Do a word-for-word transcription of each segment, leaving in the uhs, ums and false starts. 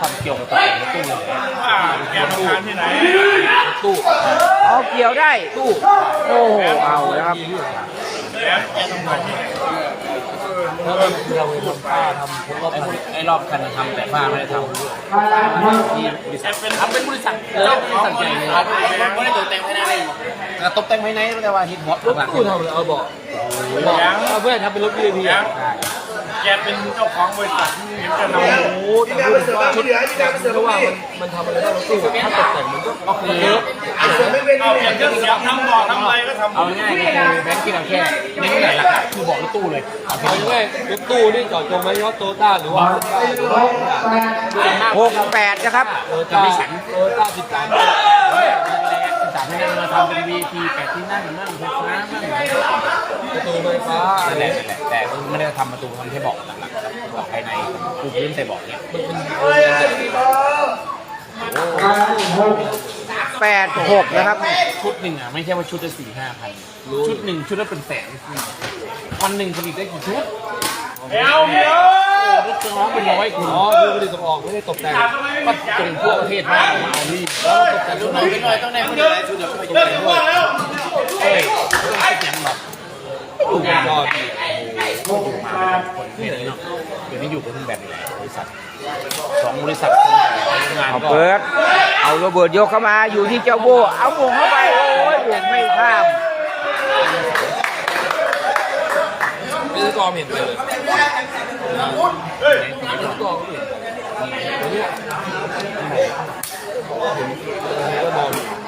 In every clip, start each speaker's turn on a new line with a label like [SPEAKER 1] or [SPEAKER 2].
[SPEAKER 1] ทำเกี่ยวกับตกแต่งตู้เลย
[SPEAKER 2] แกทำงานที่ไหน
[SPEAKER 1] ตู้
[SPEAKER 3] เอาเกี่ยวได้ตู้โอ้โหเอาแล้วครับ
[SPEAKER 2] แกทำงานที่ไหน
[SPEAKER 1] แล้วเราไปทำผ้าทำพวกรอบไอ้รอบคันทำแต่ผ้าไม่ได้ทำที่บริษัททำเป็นบริษัทเออบริษัทใหญ่เลยไม่ได้ตกแต่งภายในเลยตกแต่งภายในแต่ว่าฮิตฮอตหลังตู้ทำเอาบอกบอกเพื่อนทำเป็นรถ วี ไอ พี
[SPEAKER 2] แกเป็นเจ้าของบริษัทที่จะนำ
[SPEAKER 1] โอ้แต่ว่าชุดเพราะว่ามันมันทำอะไรได้รถตู้ถ้าตกแต่งมันก็ก็คือเยอะ
[SPEAKER 2] เอาเปลี่ยนเครื่องเสียงทำบอกทำอะไรก็ทำ
[SPEAKER 1] เอาง่ายๆคือแบงค์กินเอาแค่เน้นหลักๆคือบอกรถตู้เลยเอาง่ายๆรถตู้นี่จอดตรงไหมยอดโตต้าหรือว่า
[SPEAKER 3] หกแปดนะครับ
[SPEAKER 1] จะไม่ฉันโตต้าสิบสามสามที่นั่งมาทำเป็น วี ไอ พี แปดที่นั่งนั่งไฟฟ้านั่งประตูไฟฟ้าอะไรแหละแต่ไม่ได้ทำประตูทำแค่บอกหลักๆบอกภายในปูพื้นใส่บอกเนี้ยมันเป็น
[SPEAKER 3] แปดหกนะครับ
[SPEAKER 1] ชุดหนึ่งอ่ะไม่ใช่ว่าชุดละสี่ห้าพันชุดหนึ่งชุดละเป็นแสนวันหนึ่งผลิตได้กี่ชุด
[SPEAKER 2] เดี๋ยวเดี๋ยว
[SPEAKER 1] รถเครื่องร้องเป็นร้อยคุณอ๋อคือผลิตส่งออกไม่ได้ตกแต่งก็ส่งทั่วประเทศมาเอานี่แล้วตกแต่งชุดไหนเป็นร้อยต้องได้คนเดียวชุดเดียวไม่ตกแต่งด้วยเฮ้ยต้องคิดอย่างแบบดูยอดคนที่ไหนเนาะเดี๋ยวนี้อยู่กับแบบบริษัทสองบริษัทงานก็
[SPEAKER 3] เปิดเอาโรเบิร์ตยกเข้ามาอยู่ที่เจ้าโบเอาหม่งเข้าไปโอ้ยหม่งไม่ข้าม
[SPEAKER 1] ไม่ได้กองเห็นเลยเฮ้ยไม่ได้กองเห็นตัวนี้ก็มอง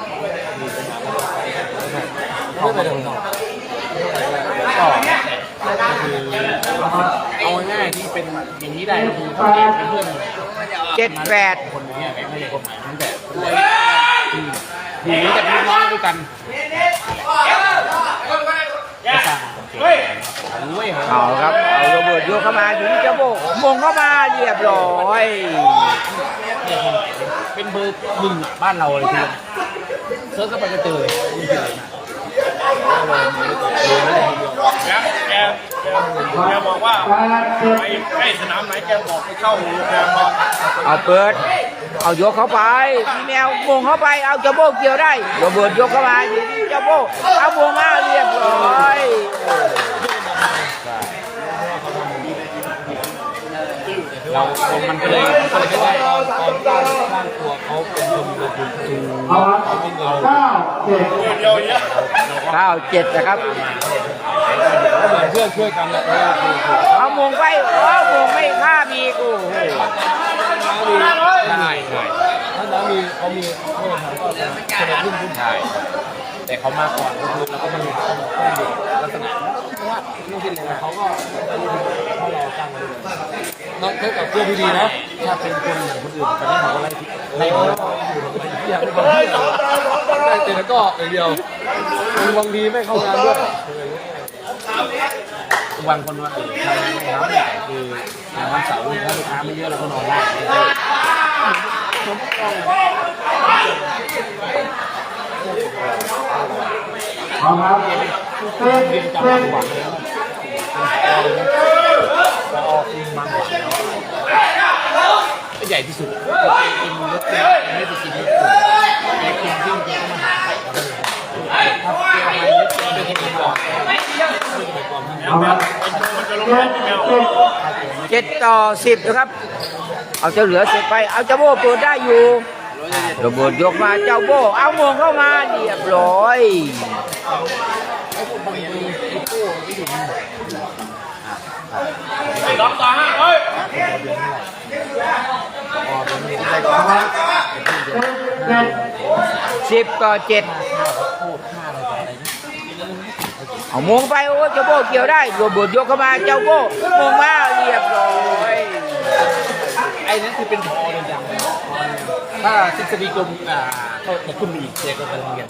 [SPEAKER 1] ไม่ไปทางนอกก็คือเอาง่ายๆที่เป็นอย่างนี้ได้คือเขาเองเป็นเพื่อน
[SPEAKER 3] เจ็ดแปด
[SPEAKER 1] คนนี้ไม่ใช่คนใหม่ตั้งแต่คือคือแต่พี่น้องด้วยกัน
[SPEAKER 3] เอาครับเอาโรเบิร์ตยกเข้ามาอยู่ที่เจ้าโบมงเข้ามาเรียบร้อย
[SPEAKER 1] เป็นเบอร์หนึ่งบ้านเราเลยทีเซิร์ชเข้าไปก็เจอ
[SPEAKER 2] แกแกแกบอกว่าไปใกล้สนามไหนแกบอกไปเข้าโรงแรมมา
[SPEAKER 3] เอาเปิดเอายกเข้าไปพี่แมวมงเข้าไปเอาเจ้าโบเกี่ยวได้โรเบิร์ตยกเข้ามาอยู่ที่เจ้าโบเอามงมาเรียบร้อย
[SPEAKER 1] เรามันก็เลยมันก็เลยไม่ได้ตอนตอนสร้างสร้างตัวเขาเป็นคนลงทุนเขาเป็นเรา
[SPEAKER 2] เก้าเจ็ด
[SPEAKER 3] เก้าเจ็ดนะครับ
[SPEAKER 1] เหมือนเพื่อนช่วยกันแหละ
[SPEAKER 3] เอามงไปเอามงไม่ฆ่ามีกู
[SPEAKER 1] ใช่ใช่ถ้าน้ามีเขามีเพื่อนเขาก็คนละรุ่นรุ่นชายแต่เขามาก่อนแล้วก็มาอยู่ลักษณะว่าไม่ใช่เลยเขาก็เขาเราจ้างมาด้วยนอกจากเพื่อนที่ดีนะถ้าเป็นคนอย่างคนอื่นกันนี่เขาก็ไล่ไล่เราอยากเป็นคนที่ได้แต่แล้วก็อย่างเดียวบางทีไม่เข้างานด้วยบางคนว่าเออทำงานไม่ทำแต่คือวันเสาร์ถ้าลูกค้าไม่เยอะเราก็นอนได้
[SPEAKER 2] เอาครับ
[SPEAKER 1] เรียนจำบางหวังแล้วเราออกอินบางหวังก็ใหญ่ที่สุดกินรถไม่ไปกินรถแต่กินที่มันก็มาหาถ้าเกี่ยวอะไรไม่ได้กินหรอก
[SPEAKER 3] เจ็ดต่อสิบนะครับเอาเจ้าเหลือเสร็จไปเอาเจ้าโบเปิดได้อยู่โรเบิร์ตยกมาเจ้าโบเอามงเข้ามาเรียบร้อย
[SPEAKER 2] สองต่อห้าเฮ้ย
[SPEAKER 3] สิบต่อเจ็ดเอามงไปโอ้เจ้าโบเกี่ยวได้โรเบิร์ตยกเข้ามาเจ้าโบมงมาเรียบร้อย
[SPEAKER 1] ไอ้นั่นคือเป็นพอเลยจังถ้าทฤษฎีกลมอ่าก็จะขึ้นอีกเจก็จะเรียน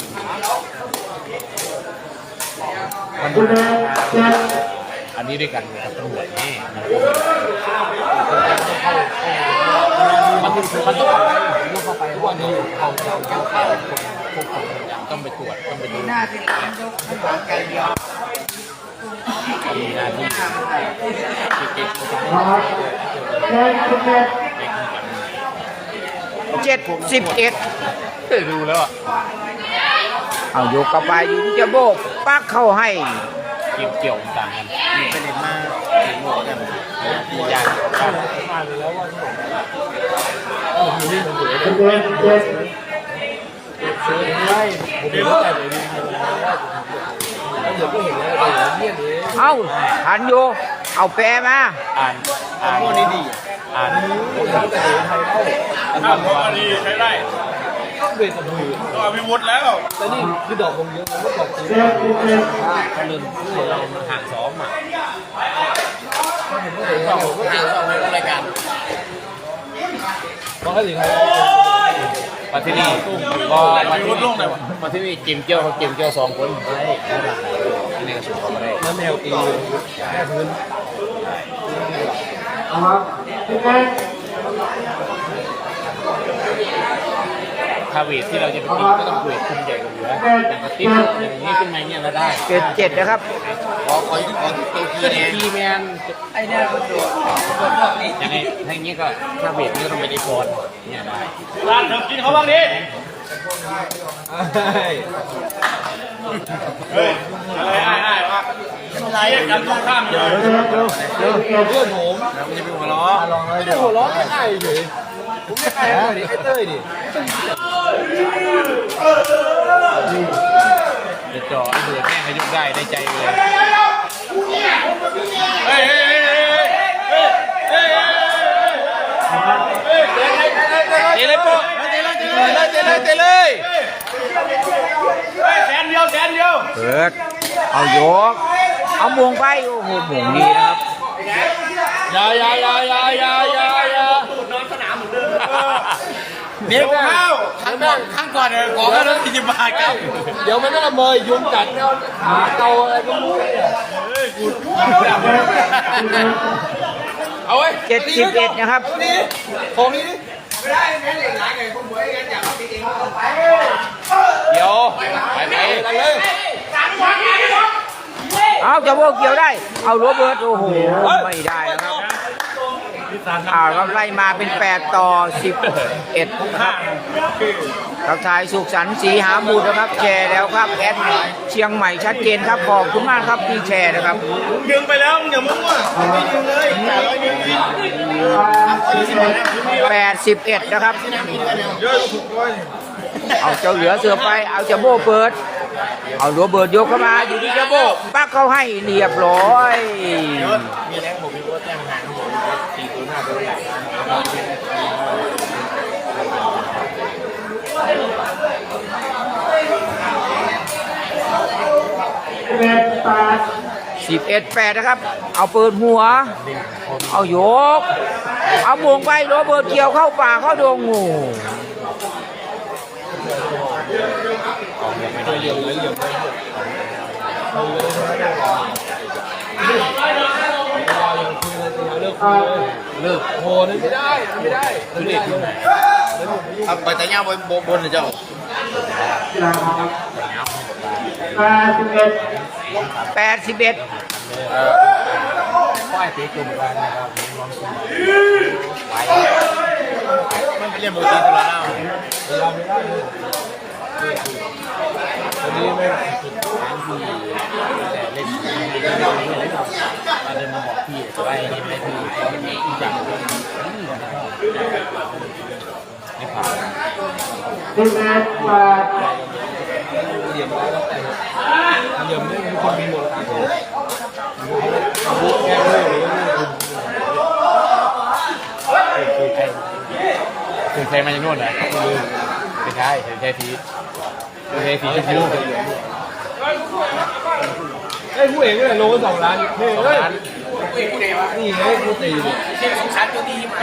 [SPEAKER 1] อันนี้ด้วยกันกับตำรวจนี่มันมันต้องเข้าไปต้องเข้าไปเพราะว่านี่เขาเขาเขาเขาพวกผมต้องไปตรวจต้องไปดูหน้าที่ยกขนาดไกลเดียวมีหน้าที่เก็บเก็บเก็บ
[SPEAKER 3] เจ็ดสิบเอ็ด
[SPEAKER 1] เคยดูแล้วอ่ะ
[SPEAKER 3] เอาโยกกลับไปอยู่ที่เจ้าโบปักเข้าให้
[SPEAKER 1] เกี่ยวเกี่ยวต่างกัน
[SPEAKER 2] มีประเด็นมากเห็นหมดกัน
[SPEAKER 1] มียากยาก
[SPEAKER 2] มาเลยแล้วว่า
[SPEAKER 1] ไม่ผมไม่เข้าใจเลยดิเดี๋ยวก็เห็นแล้วแต่เยี่ยนเลย
[SPEAKER 3] เอาทันโยเอาแปรมา
[SPEAKER 1] อ่านอ่าน
[SPEAKER 2] พวกนี้ดี
[SPEAKER 1] อ่านผมเข้าใจไทยเล่า
[SPEAKER 2] ถ้าพวกนี้ใช้ได้
[SPEAKER 1] เบสกับมือ
[SPEAKER 2] ก็มีวุฒิแล้ว
[SPEAKER 1] แต่นี่คือดอกลงเยอะมันก็ดอกจริงถ้าเรื่องเราห่างซ้อมอ่ะผมก็เห็นว่าผมก็เจอในรายการเพราะถ้าถึงมาที่นี่ก็มาที่นี่มาที่นี่เกมเกี่ยวเขาเกมเกี่ยวสองคนได้นี่ก็สุดเขาไม่ได้แล้วแนวตีแค่พื้นคาเวทที่เราจะไปตีก็ต้องเวทคุมใหญ่กว่าเหลืออย่างกระติ๊บอย่างนี้ขึ้นมาเนี่ยเราได้
[SPEAKER 3] เจ็ดเจ็ดนะครับ
[SPEAKER 2] ขอขอขอตัวที
[SPEAKER 1] ก็
[SPEAKER 2] เนี่ย
[SPEAKER 1] ทีแมนไอ้เนี่ยมันโดดอย่างนี้ถ้าอย่างนี้ก็คาเวทนี่ก็ต้องไปดีฟอนเนี่ยได้
[SPEAKER 2] ร้านเธอกินเขาบ้างดิเฮ้ยอะไรไอ้ไอ้วะอะไรกันตรงข้ามเลย
[SPEAKER 1] เพื่อนผมแล้วมันจะเป็นหัวล้อลองเลยเดี๋ยวหัวล้อไม่ได้เฉยผมไม่ใครเลยดิไอ้เต้ยดิเดี๋ยวจ่อไอ้เบื่อแม่งก็ยกได้ได้ใจเลย
[SPEAKER 2] เฮ้ยเฮ้ยเฮ้ยเฮ้ยเฮ้ยเฮ้ย
[SPEAKER 1] เตะเลยปุ๊เตะเลยเตะเลยเตะเลยเตะเลย
[SPEAKER 2] เฮ้ยแสนเดียวแสนเดียว
[SPEAKER 3] เปิดเอาโยกเอามวงไปโอ้โหหม่งดีนะครับ
[SPEAKER 1] อย่าอย่าอย่าอย่าอย่าอย่าอย่า
[SPEAKER 2] เดี๋ยวข้าวข้างก่อนข้างก่อนเลยขอแค่ร้อยสี่สิบบาทครับ
[SPEAKER 1] เดี๋ยวมันก็ละเมยยุงกัดแล้วหาเตาอะไรก็รู้เอาไว้
[SPEAKER 3] เจ็ดสิบเอ็ดนะครับ
[SPEAKER 1] ของนี้เดี๋ยวไปไปกันเลย
[SPEAKER 3] เอาเจ้าโบเกี่ยวได้ เอาโรเบิร์ตโอ้โหไม่ได้นะครับอ่าเราไล่มาเป็นแปดต่อสิบเอ็ดนะครับทักทายสุขสันต์ศรีหาบุตรนะครับแชร์แล้วครับแอดเชียงใหม่ชัดเจนครับขอบคุณมากครับที่แชร์นะครับ
[SPEAKER 2] ดึงไปแล้วมึงอย่ามึงว่ะไม่ดึงเลยอย่าเลยดึงดิ
[SPEAKER 3] แปดสิบเอ็ดนะครับ
[SPEAKER 2] เยอะถูกด้วย
[SPEAKER 3] เอาเจ้าเหลือเสือไปเอาเจ้าโบเปิด เอาโรเบิร์ตยกเข้ามาอยู่ที่เจ้าโบปักเข้าให้เรียบร้อย
[SPEAKER 2] มีแรงผมมีว่าแจ้งหางผมสี่ตัวหน้าตัวใหญ่
[SPEAKER 3] สิบเอ็ดแปดนะครับ เอาเปิดหัว เอาโยก เอามวงไปโรเบิร์ตเกี่ยวเข้าป่าเข้าดงงู
[SPEAKER 1] เหลี่ยมเลยเหลี่ยมเลยเลิกคุยเลยเลิกโหนั่นไม่ได้ไม่ได้คือเด็กอยู่ไหน
[SPEAKER 2] เอาไปแต่ย่าบนบนเลยเจ้า
[SPEAKER 3] แปดสิบเอ็ด
[SPEAKER 1] ป้ายตีกลุ่มกันนะครับ
[SPEAKER 2] มันเป็นเรื่องปกติตัวละเน่า
[SPEAKER 1] เราไม่ได้เลยวันนี้ไม่สุดท้ายที่แต่เล่นมาเดินมาบอกพี่จะไปนี่ไม่พี่อีกอย่างไม่ผ่านเหลี่ยมแล้วแต่เหลี่ยมนี่มีคนมีหมดเลยบุ๊กแก้เลยคือใครคือใครมาจากนู่นนะไม่ใช่ใช่พีทใช่พีทจะพูดไอ้ผู้เอกเนี่ยโลสองล้านเฮ้ยเฮ้ยนี่ไงกูตีเนี่ยสงสารตัวดีไหม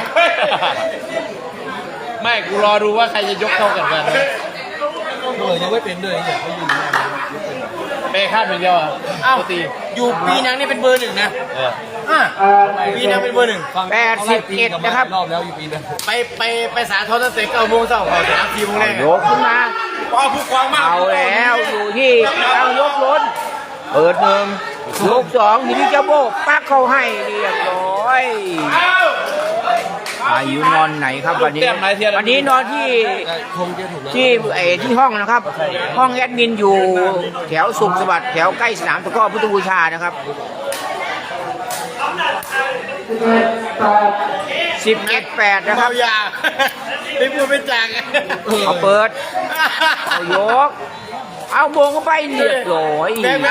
[SPEAKER 1] ไม่กูรอดูว่าใครจะยกเท่ากันกันเออยังไม่เป็นด้วยอยากให้ยืนเปย์คาดเป็นเดียวอ่ะอ้าวตี
[SPEAKER 2] อยู่ปีนังนี่เป็นเบอร์หนึ่งนะ
[SPEAKER 1] เออ
[SPEAKER 2] อ่ะปีนังเป็นเบอร์หนึ่ง
[SPEAKER 3] แปดสิบเอ็ดนะครับ
[SPEAKER 1] รอบแล้วอยู่ปีนึง
[SPEAKER 2] ไปไปไปสาทอตั้งแต่เก้าโมงเช้าขอสามสี่โมงแรก
[SPEAKER 3] โยกขึ้นมา
[SPEAKER 2] พอผู้ควางมาก
[SPEAKER 3] เอาแล้วอยู่ที่เอายกล้นเปิดหนึ่งยกสองอยู่ที่เจ้าโบปักเข้าให้เรียบร้อย
[SPEAKER 2] เอา
[SPEAKER 3] อายุนอนไหนครับวันนี้วันนี้นอนที่
[SPEAKER 1] คงจะถูกแล้ว
[SPEAKER 3] ที่ไอ้ที่ห้องนะครับ ห้องแอดมินอยู่แถวสุขสวัสดิ์แถวใกล้สนามตะกร้อพุทธบูชานะครับสิบเอ็ดแปดนะครับ
[SPEAKER 2] ยาไม่พูดไม่จัง
[SPEAKER 3] เอาเปิดเอายกเอาโมงเข้าไปเรียบร้อย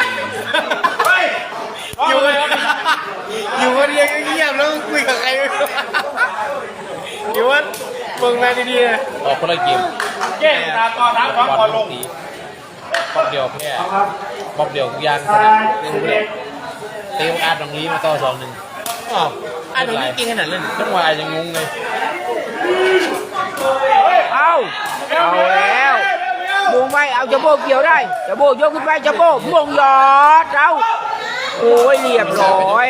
[SPEAKER 2] อยู่อยู่คนเดียวเงียบแล้วคุยกับใครไม่รู้อยู่ว่าเบิ่งแม่ดีๆนะ
[SPEAKER 1] ออกคนละเกม
[SPEAKER 2] แก้ตาตอนน้ำฟังก่อนลง
[SPEAKER 1] บอบเดียวแค่บอบเดียวทุกอย่างขนาดเล่นเด็กเตะอาร์ตรงนี้มาต่อสองหนึ่งอ๋ออาร์ตตรงนี้เก่งขนาดเล่นจังหวะยังงงเลย
[SPEAKER 3] เอาเอาแล้วมงไปเอาจะโบเกี่ยวได้จะโบยกขึ้นไปจะโบมงยอดเอาโอ้ยเรียบร้อย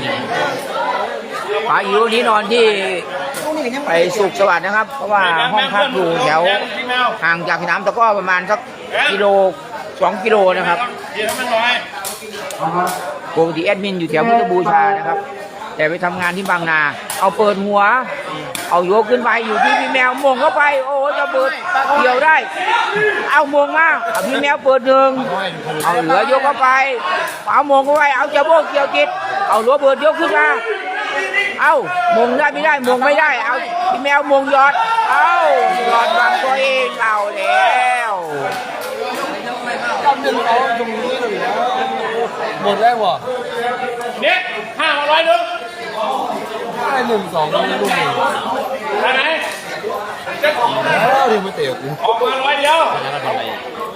[SPEAKER 3] พายุนี้นอนที่ไปสุขสวัสดิ์นะครับ เพราะว่าห้องพักอยู่แถวห่างจากสนามตะกร้อประมาณสักกิโลสองกิโลนะครับ
[SPEAKER 2] เดี๋ยวมันน้อย
[SPEAKER 3] ปกติแอดมินอยู่แถวพุทธบูชานะครับ แต่ไปทำงานที่บางนา เอาเปิดหัว เอาโยกขึ้นไปอยู่ที่พี่แมวมงเข้าไป โอ้จะเปิดเกี่ยวได้ เอามงมาเอาพี่แมวเปิดหนึ่งเอาเหลือยกเข้าไป เอามงเข้าไป เอาจะโบกเกี่ยวจิต เอาหัวเปิดยกขึ้นมา เอามงได้ไม่ได้มงไม่ได้ เอาพี่แมวมงยอด เอายอดวางตัวเองเอาแล้ว
[SPEAKER 1] จำหนึ่งเอาตรงนี้เลยนะหมดได้บ่
[SPEAKER 2] เนี่ยห้าร้อยหนึ่ง
[SPEAKER 1] ได้หนึ่งสองลูกหนึ่ง
[SPEAKER 2] ไปไหนจะ
[SPEAKER 1] แล้วเดี๋ยวมาเตะกู
[SPEAKER 2] ออกมาร้อยเดียว
[SPEAKER 1] แล้วทำอะไร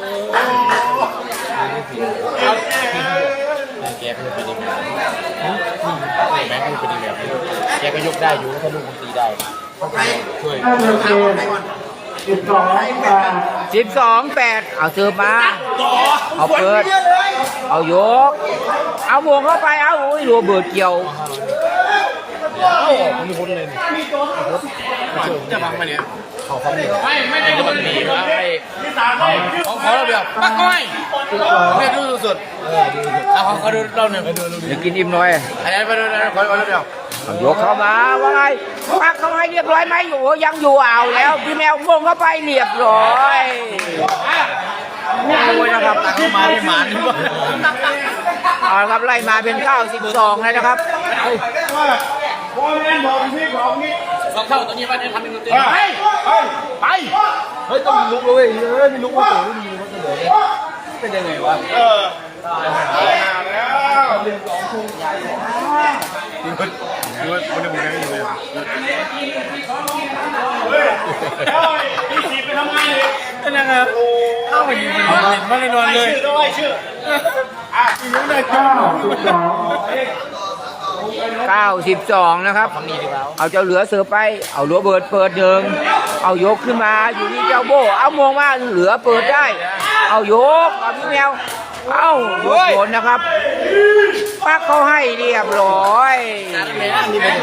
[SPEAKER 1] แกก็เป็นอีกแบบแม่ก็เป็นอีกแบบแกก็ยกได้อยู่ถ้าลูกมันตีได้ช่วย
[SPEAKER 3] สิบสองแปดเอาเสิร์ฟมาเอาเปิดเอายกเอาวงเข้าไปเอาอุ้ยรัวเบิดเกี่ยว
[SPEAKER 1] มีคนเลย
[SPEAKER 2] จะบังมาเนี่ย
[SPEAKER 1] เขาเขาเนี่ย
[SPEAKER 2] ไม่ไม่ได้
[SPEAKER 1] มันหนีมาไอ้
[SPEAKER 2] ที่สามให้
[SPEAKER 1] ของเขาเราแบบปักก้อยไม่ดูสุดเอาเขาเขาดูเราเนี่ยไปดูดู
[SPEAKER 3] เดี๋ยวกินอิ่มหน่อย
[SPEAKER 1] อันนี้ไปดูนะขอขอเดียว
[SPEAKER 3] เอายกเข้ามาว่าไงปักเข้าให้เรียบร้อยไหมอยู่ยังอยู่เอาแล้วพี่แมววงเข้าไปเรียบร้อยโอ้ยนะครับ
[SPEAKER 1] เข้ามาที่หมานนี่ว่า
[SPEAKER 3] เอาละครับไล่มาเป็นเก้าสิบสองแล้วนะครับ
[SPEAKER 2] บอลเล่นบอลที่ของนี้
[SPEAKER 1] สองเท่าตัวนี้ว่าจะทำเป็นตัวตี
[SPEAKER 2] ไปไปไป
[SPEAKER 1] เฮ้ยต้องมีลุกเลยเฮ้ยมีลุกมาตัวไม่มีว่าจะเหลือเป็นยังไงวะ
[SPEAKER 2] เออตายแล้วหนึ่งสองทุ่มใหญ่ดูว่าดูว่าคนในหมู่นี้อยู่เลยเฮ้ยเฮ้ยพี่สีไปทำงานเลย
[SPEAKER 1] เป็นยังไงโอ้เข้ามายิงมันเล่นมาเลยนอนเลย
[SPEAKER 2] ชื่อด้วยชื่ออ่ะอีกนิดหน่อยเก้าสิบสอง
[SPEAKER 3] เก้าสิบสองนะครับ เอาเจ้าเหลือเสือไป เอาหัวเบิดเปิดหนึ่งเอายกขึ้นมาอยู่ที่เจ้าโบเอามองมาเหลือเปิดได้ เอายกเอาพี่แมวเอายกโดนนะครับปักเขาให้เรียบร้อย
[SPEAKER 1] นี่เป็นยังไง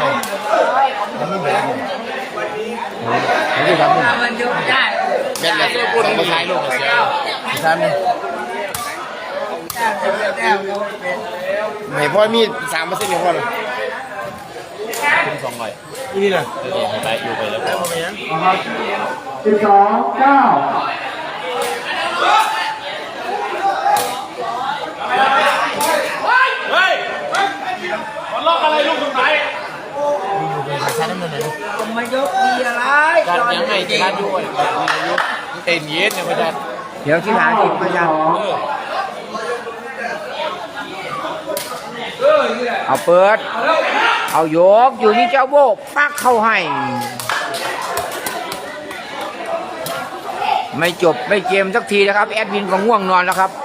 [SPEAKER 1] นี่ครับมันยกได้เป็นอะไรที่พูดภาษาโลกเสียภาษาเนี่ยไม่พอมีสามเปอร์เซ็นต์เนี่ยพอเลยคุณสองหน่อยนี่นะเออไปอยู่ไปแล้ว
[SPEAKER 4] สิบสองเก้า
[SPEAKER 2] เฮ้ยมันล็อกอะไรลูกสุดท้าย
[SPEAKER 1] ชาติน้ำเงินเลย
[SPEAKER 3] มายกดีอะไร
[SPEAKER 1] การยังไงชาติด้วยอายุเต็นเย็นเนี่ยไม่ได้
[SPEAKER 3] เดี๋ยวที่หาทีมพยานเอาเปิด เอายกอยู่ที่เจ้าโบปักเข้าให้ ไม่จบไม่เกมสักทีนะครับแอดมินก็ง่วงนอนแล้วครับ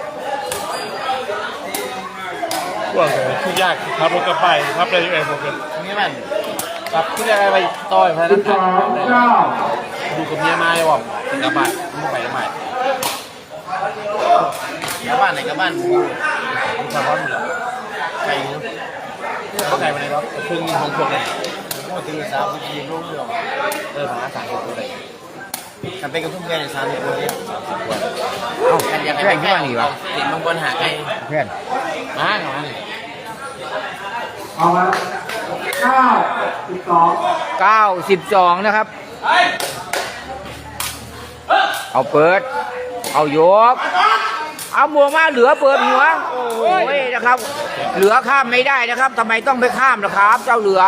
[SPEAKER 2] ว่าไงคือยากขับรถกลับไปขับอะไรอยู่เองผมกัน
[SPEAKER 1] นี่มันกับที่จะไปต่อยพนัน
[SPEAKER 4] สิบสองเก้า
[SPEAKER 1] ดูกับเมียมาเลยว่ะถึงกับบ้านไม่ไปทำไมกับบ้านไหนกับบ้านกูมึงทำว่ามึงเหรอไก่เนาะก็ไก่มาเลยครับครึ่งนึงของพวกเลยพูดถึงสาวทีมรุ่งเรืองเออพนักสามสิบคนเลยกันเป็นกับทุกเพื่อนในสามสิบคนเนี่ยสามสิบคน
[SPEAKER 3] เอ้าแค่ขึ้นมาหนีวะ
[SPEAKER 1] เห็นบางคนหาไก่
[SPEAKER 3] เพื่อน
[SPEAKER 1] มาเหรอ
[SPEAKER 4] เอามาเก้าสิบสอง
[SPEAKER 3] เก้าสิบสองนะครับ เอาเปิด เอายก เอาบวกมาเหลือเปิดหัว โอ้ยนะครับ เหลือข้ามไม่ได้นะครับทำไมต้องไปข้ามนะครับ เจ้าเหลือ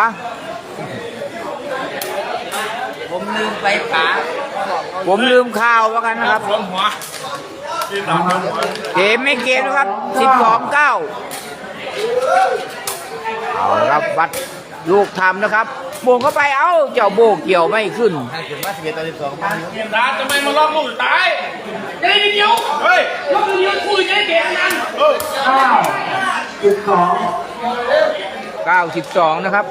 [SPEAKER 5] ผมลืมไปป๋า
[SPEAKER 3] ผมลืมข่าวว่ากันนะครับ
[SPEAKER 2] รวมหัวที่สามรวมหัว
[SPEAKER 3] เกมไม่เกมนะครับสิบสองเก้าเอาละครับวัดลูกทำนะครับโบงเข้าไปเอ้าเจ้าโบเกี่ยวไม่ขึ้น
[SPEAKER 5] เกิดว่าสิบเอ็ดต่อสิบสอง
[SPEAKER 2] เกียรติดาทำไมมาล็อกลูกตายจะได้เดียวเฮ้ยล็อกเดียวคุยจะได้เก่งนั้นเออ
[SPEAKER 4] เก้าสิบสอง
[SPEAKER 3] เก้าสิบสองนะครับ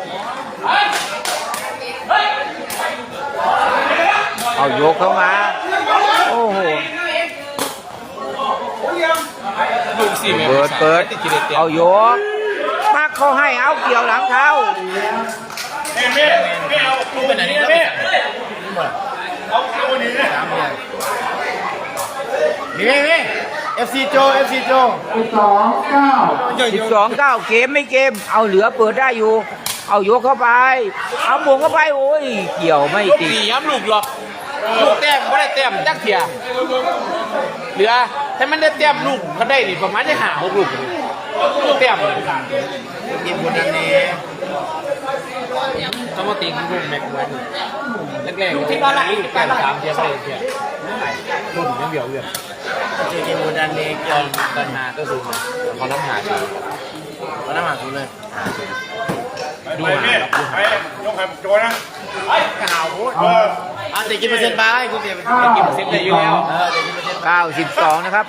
[SPEAKER 3] เอายกเข้ามาโอ้โห
[SPEAKER 1] ลูกสี่เมตร
[SPEAKER 3] เปิดเปิด
[SPEAKER 1] ติดกิเลสเต็ม
[SPEAKER 3] เอายกปักเขาให้เอาเกี่ยวหลังเท้า
[SPEAKER 2] เม่เม่เม่เอาลูกเป็นไหนนี่เม่เอาเอาหนีนะ
[SPEAKER 5] มีมีมีเอฟซีโจเอฟซีโจ
[SPEAKER 4] สิบสองเก้า
[SPEAKER 3] สิบสองเก้าเกมไม่เกม เอาเหลือเปิดได้อยู่ เอายกเข้าไป เอาบวงเข้าไปโอ้ยเกี่ยวไม่
[SPEAKER 1] ลูก
[SPEAKER 3] ติด
[SPEAKER 1] สี่ย้ำลูกหรอกลูกแต้มไม่ได้แต้มจักเทียเหลือถ้ามันได้แต้มลูกก็ได้นี่ประมาณจะหาหกลูกลูกแต้ม
[SPEAKER 5] ทีมบุญนันนี้
[SPEAKER 1] ต้องมาตีลูกแม็กไว้แรกๆที่บ้านละแต้มสามเทียบเลยเทียรุ่นยังเดียวเลย
[SPEAKER 5] เจอทีมบุญนันนี้
[SPEAKER 1] ตอนตอนหาก็สูงเขาน้ำหาดู
[SPEAKER 5] ตอนนั้นมาสูเลย
[SPEAKER 2] ดูเม่ไปยกให้โจนะ
[SPEAKER 5] ข่าวพูดอ่ะเด็กกินเปอร์เซ็นต์ไปกูเสียไป
[SPEAKER 4] เก้า
[SPEAKER 1] กินเซ็ตได้อยู่แล้ว
[SPEAKER 5] เออเด็กกินเปอร์เซ็นต์
[SPEAKER 3] เก้าสิบสองนะครับ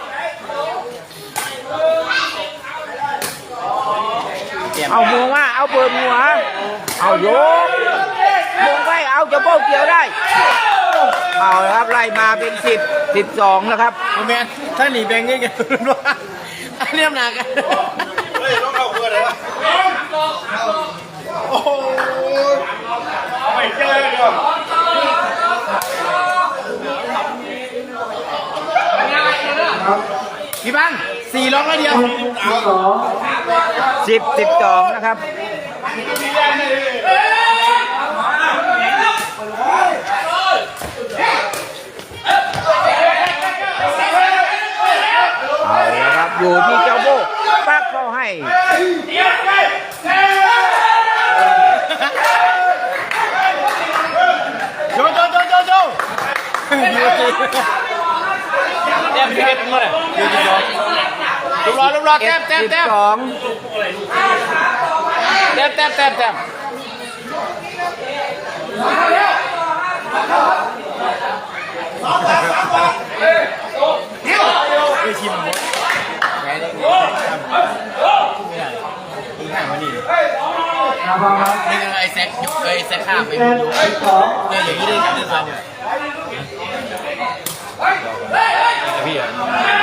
[SPEAKER 3] เอาบวงมาเอาเปิดหัว เอายกบวงไปเอาจะโป้เกี่ยวได้ เอาละครับไล่มาเป็นสิบสิบสองนะครับ
[SPEAKER 5] โมเมนถ้าหนีแบงค์เงี้ยกันว่าอันนี้หนักกัน
[SPEAKER 2] เฮ้ยต้องเข้าเพื่ออะไรวะโอ้โหไม่เจอเลยเดี๋ยว
[SPEAKER 4] ครับ
[SPEAKER 5] พี่บังสี่ล็อกแล้วเดียว
[SPEAKER 4] สิบสอง
[SPEAKER 3] สิบสิบสองนะครับเอาละครับอยู่ที่เจ้าโบปักเข้าให้
[SPEAKER 5] โจโจโจโจโจ
[SPEAKER 1] แต้มที่เอ็ดเมื่อไหร่ลูกรอลูกรอแต้มแต้ม
[SPEAKER 3] สิบ
[SPEAKER 1] แต้ม
[SPEAKER 3] สอง
[SPEAKER 1] แต้มแต้มแต้มแต้ม
[SPEAKER 5] ไอชิมหมดแพ้ได้ไม่ได้อีกห่างมาดิ
[SPEAKER 4] นะครับ
[SPEAKER 5] นี่ไอแซคยกไอแซคข้ามไป
[SPEAKER 4] เจ็ดสิบสอง
[SPEAKER 5] เนี่ยอย่างนี้ได้ได้ทันเนี่ย
[SPEAKER 1] พี่อ่ะ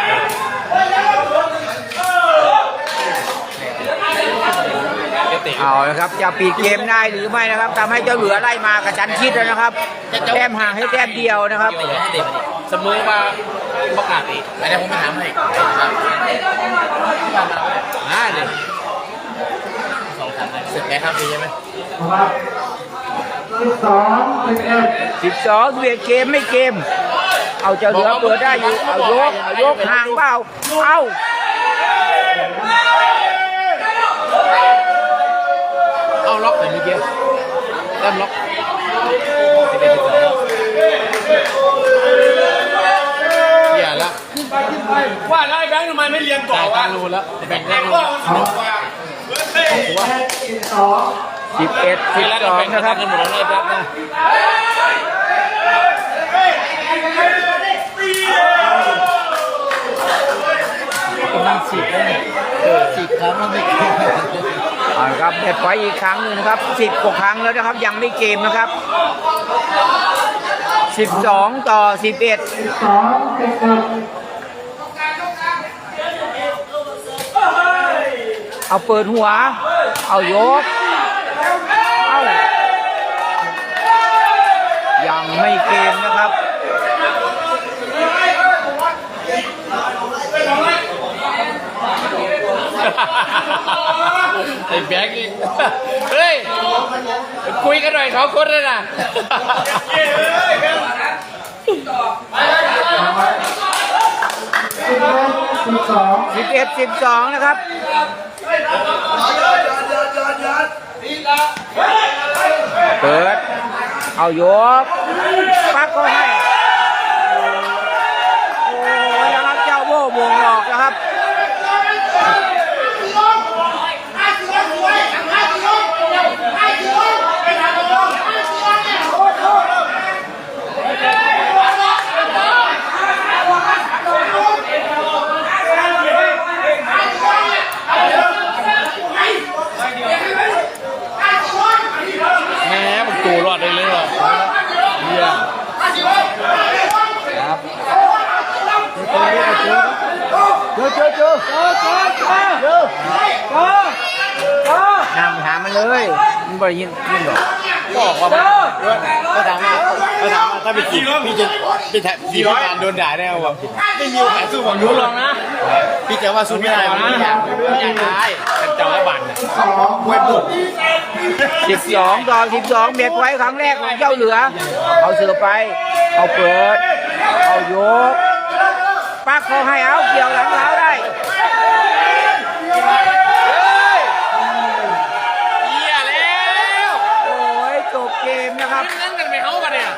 [SPEAKER 3] เอาละครับจะปิดเกมได้หรือไม่นะครับทำให้เจ้าเหลือไล่มากระชั้นชิดแล้วนะครับแต้มห่างให้แต้มเดียวนะครับ
[SPEAKER 1] เสมอมาประกาศอีก
[SPEAKER 5] อันนี้ผมไม่ถามให้
[SPEAKER 1] อ่าเนี่ย
[SPEAKER 5] สองสามเสร็จแล้วครับใช่ไหม
[SPEAKER 4] นะครับสิบสองสิบเอ็ด
[SPEAKER 3] สิบสองเวียดเกมไม่เกม เอาเจ้าเหลือเปิดได้อยู่เอายกเอายกห่างเปล่าเอา
[SPEAKER 1] เอาล็อกแต่เมื่อกี้แต้มล็อกอย่าละ
[SPEAKER 2] ว่าแล้วไอ้แบงค์ทำไมไม่เรียนต่อ
[SPEAKER 1] จ่ายตั
[SPEAKER 2] วะ
[SPEAKER 1] งค์รูแล้วแบ่งได้รู
[SPEAKER 2] ว่าสนุกกว่าเฮ้ย
[SPEAKER 4] สิบสอง
[SPEAKER 3] สิบเอ็ดสิบ
[SPEAKER 1] แล้ว
[SPEAKER 3] สอง
[SPEAKER 1] แบ่ง
[SPEAKER 3] นะค
[SPEAKER 1] กั
[SPEAKER 3] รับ
[SPEAKER 1] นหมดแล้วแป๊บนะ
[SPEAKER 5] มันสิบแล้วเนี่ยสิบครั้งมันไม่เกิน
[SPEAKER 3] เอาละครับเด็ดไว้อีกครั้งหนึ่งนะครับสิบกว่าครั้งแล้วนะครับยังไม่เกมนะครับสิบสองต่อสิบเอ็ด
[SPEAKER 4] สิบสองสิบเอ็ด
[SPEAKER 3] เอาเปิดหัว เอายก เอายังไม่เกมนะครับ
[SPEAKER 1] ไอ้แบงค์นี่เฮ้ย
[SPEAKER 5] กันหน่อยเขาคนเลยนะ
[SPEAKER 4] สิบเอ็ดสิบสอง
[SPEAKER 3] สิบเอ็ดสิบสองนะครับเปิดเอายกปักก็ให้โอ้ยนะครับเจ้าโบ้วงหลอกนะครับ
[SPEAKER 2] แหมมันตูรอดได้เลยเหรอเยี่ยม
[SPEAKER 3] เจอเจอเจอเจอเจอเจอเจอเจอนำหามันเลยมันบ่ได้ยินยินหรอก
[SPEAKER 5] บอกว่าก็ถามว่าก็ถามว่าถ้าเป็นจีบพี่จะพี่แทพี่พิการโดนด่าได้ไหมวะไม่มีโอกาสสู้ผมรู้ลองนะพี่จะว่าสู้ไม่ได้นะอยากอยากได้เป็นเจ้าละบันมวยบุก
[SPEAKER 3] สิบสองต่อสิบสองเบียดไว้ครั้งแรกของเจ้าเหลือเอาเสือไปเอาเปิดเอายกปักเขาให้เอาเกี่ยวหลังเท้าได้
[SPEAKER 5] เยี่ยแล้ว
[SPEAKER 3] โอ้ยจบเกมนะครับ
[SPEAKER 5] นั่นกันไปเฮ้ากันเนี่ย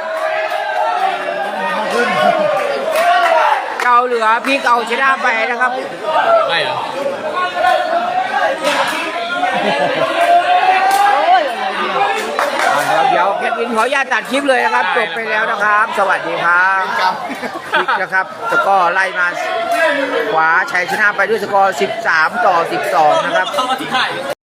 [SPEAKER 3] เจ้าเหลือพี่เอาชนะไปนะครับ
[SPEAKER 5] ไม่เหรอ
[SPEAKER 3] เอาเดี๋ยวเดี๋ยวแคทวินขออนุญาตตัดคลิปเลยนะครับจบไปแล้วนะครับ สวัสดีครับคลิปนะครับสกอร์ไล่มาขวาชัยชนะไปด้วยสกอร์สิบสามต่อสิบสองนะครับ